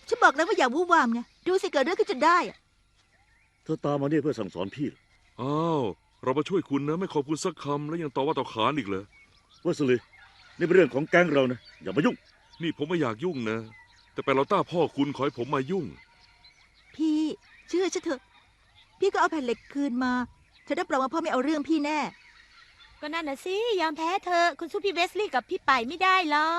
ฉันบอกแล้วว่าอย่าวู่วามไงดูสิเกิดเรื่องขึ้นจนได้อะเธอตามมาเนี่ยเพื่อสั่งสอนพี่เหรออ้าวเรามาช่วยคุณนะไม่ขอบคุณสักคำแล้วยังต่อว่าต่อขานอีกเลยเวสลีย์นี่เป็นเรื่องของแก๊งเรานะอย่ามายุ่งนี่ผมไม่อยากยุ่งนะ แต่ไปเราต้าพ่อคุณขอให้ผมมายุ่งพี่เชื่อฉันเถอะ พี่ก็เอาแผ่นเหล็กคืนมาเธอรับรองว่าพ่อไม่เอาเรื่องพี่แน่ก็นั่นน่ะสิยอมแพ้เธอะคุณสู้พี่เวสลีย์กับพี่ไปไม่ได้หรอก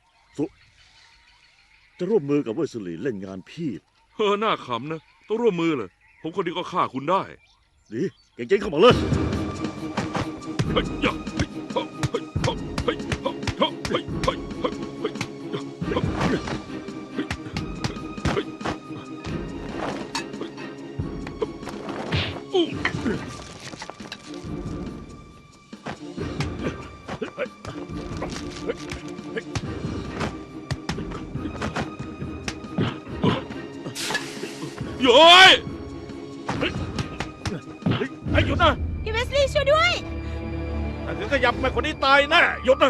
จะร่วมมือกับเวสลีย์เล่นงานพี่หน้าขำนะต้องร่วมมือเลยผมคนเดียวก็ฆ่าคุณได้ดีเก่งๆเข้ามาเลยเฮ้ยยะเฮ้ยเฮ้ยเฮ้ยเฮ้ยเฮ้ยเฮ้ยเฮ้ยเฮ้ยเฮ้ยเฮ้ยเฮ้ยอู้โย้ยไอ้หยุดนะพี่เวสลีย์ช่วยด้วยถ้าถึงขยับแม่คนนี้ตายแน่หยุดนะ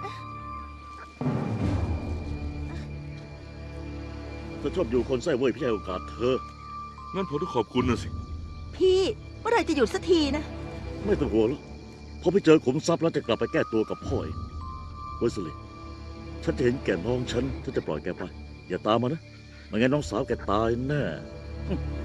เธอชอบอยู่คนไส้เว้ยพี่ให้โอกาสเธองั้นผมต้องขอบคุณนะสิพี่เมื่อไหรจะหยุดสักทีนะไม่ต้องห่วงหรอกพอไปเจอขุมทรัพย์แล้วจะกลับไปแก้ตัวกับพ่อเองเวสลีย์ฉันจะเห็นแก่น้องฉันจะปล่อยแกไป อย่าตามมานะไม่งั้นน้องสาวแกตายแน่